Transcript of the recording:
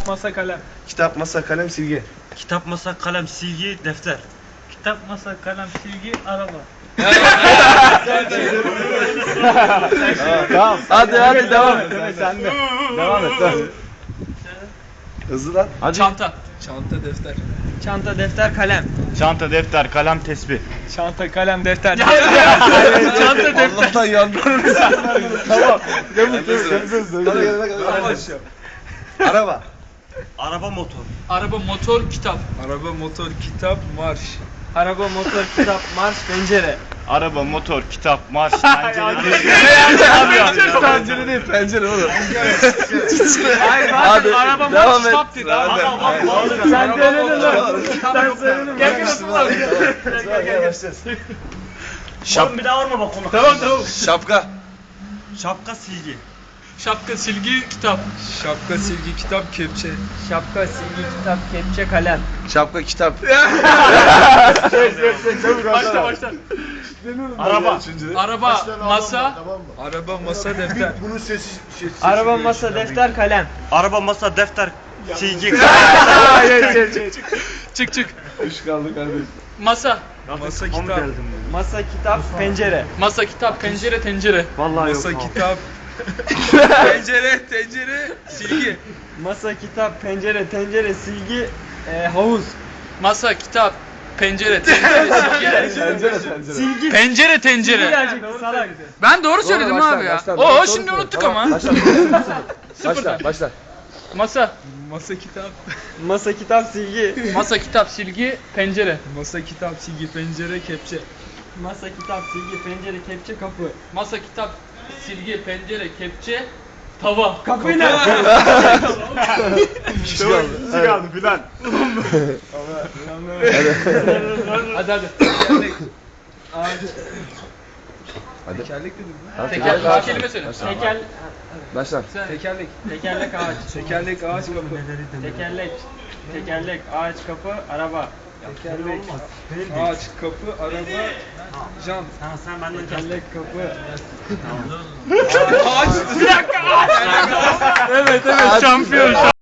masa, kalem. Kitap, masa, kalem, silgi. Kitap, masa, kalem, silgi, defter. Kitap, masa, kalem, silgi, araba. Tamam. Hadi devam et. Sen de. Devam et. Hızlı lan. Hadi. Çanta. Çanta, defter. Çanta, defter, kalem. Çanta, defter, kalem, tesbih. Çanta, kalem, defter. Çanta, defter. Allah'tan yandım. Tamam. Araba. Araba, motor. Araba, motor, kitap. Araba, motor, kitap, marş. Araba, motor, kitap, marş, pencere. Araba, motor, kitap, marş, pencere. Pencere değil, pencere oğlum. Hayır, Hadi, araba, devam motor, et. kitap dedi. Devam et. Sen söyledin lan. Sen söyledin. Gel Oğlum bir daha vurma bak onu. Tamam. Şapka. Şapka, silgi. Şapka, silgi, kitap. Şapka, silgi, kitap, kepçe. Şapka, silgi, kitap, kepçe, kalem. Şapka, kitap. Başla. Araba. Araba, masa. Araba, masa, defter. Bunun sesi Araba, masa, defter, kalem. Araba, masa, defter, silgi. Çık. Üç kaldı kardeşim. Masa. Masa, kitap. Masa, kitap, pencere. Masa, kitap, pencere, tencere. Vallahi Masa, yok. kitap. Tencere, silgi. Masa, kitap, pencere, tencere, silgi, havuz. Masa, kitap, pencere, tencere, silgi. Silgi. Pencere, tencere. Gelecekti salak. Ben doğru söyledim abi ya. Oo şimdi unuttuk ama. Başla. Masa. Masa, kitap. Masa, kitap, silgi. Masa, kitap, silgi, pencere. Masa, kitap, silgi, pencere, kepçe. Masa, kitap, silgi, pencere, kepçe, kapı. Masa, kitap, silgi, pencere, kepçe, tava. Kapıyı ne? İki kaldı filan. Hadi. Tekerlek dedim Teker, kelime söyle. Başla. Tekerlek. Tekerlek, ağaç. Tekerlek, ağaç, kapı. Tekerlek, ağaç, kapı, araba. Tekerlek, ağaç, kapı, araba, jant. Ha sen benden Tekerlek, kapı. Ağaç. Evet, şampiyon.